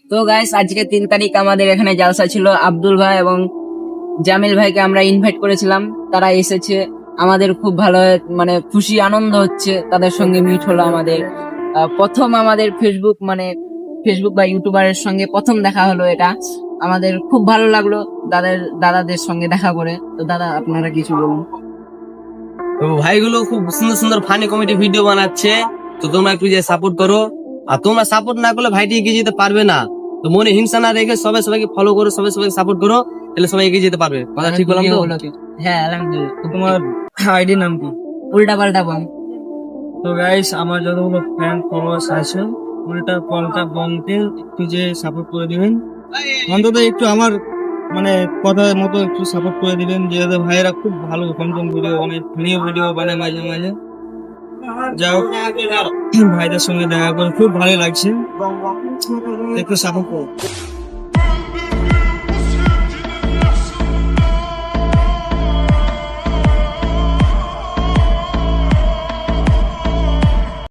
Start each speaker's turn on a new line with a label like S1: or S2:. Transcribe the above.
S1: তো গাইস আজকে 3 তারিখ আমাদের এখানে জালসা ছিল। আব্দুল ভাই এবং জামিল ভাইকে আমরা ইনভাইট করেছিলাম, তারা এসেছে। আমাদের খুব ভালো মানে খুশি আনন্দ হচ্ছে, তাদের সঙ্গে মিট হলো আমাদের। প্রথম আমাদের ফেসবুক বা ইউটিউবারের সঙ্গে প্রথম দেখা হলো, এটা আমাদের খুব ভালো লাগলো দাদাদের সঙ্গে দেখা করে। তো দাদা আপনারা কিছু বলুন।
S2: তো ভাইগুলো খুব সুন্দর সুন্দর ফানি কমেডি ভিডিও বানাচ্ছে, তো তোমরা একটু যে সাপোর্ট করো। আর তোমরা সাপোর্ট না করলে ভাইটি এগিয়ে যেতে পারবে না। তো মনে হিংসা না রেখে সবাইকে ফলো করো, সবাইকে সাপোর্ট করো, তাহলে সবাই এগিয়ে যেতে পারবে। কথা ঠিক বললাম তো?
S1: হ্যাঁ আলহামদুলিল্লাহ।
S3: তো তোমার আইডি নাম কি?
S1: উল্টা পাল্টা বল।
S3: তো গাইস, আমার যতগুলো ফ্যান ফলোয়ার্স আছে, উল্টা পাল্টা বমকে একটু যে সাপোর্ট করে দিবেন, অন্তত একটু আমার মানে কথার মতো একটু সাপোর্ট করে দিবেন। যেহেতু ভাইয়েরা খুব ভালো কন্টেন্ট ভিডিও, অনেক নিউ ভিডিও বানায় মাঝে মাঝে। যাও, ভাইদের সঙ্গে দেখা করে খুব ভালো লাগছে, একটু সাপোর্ট করো।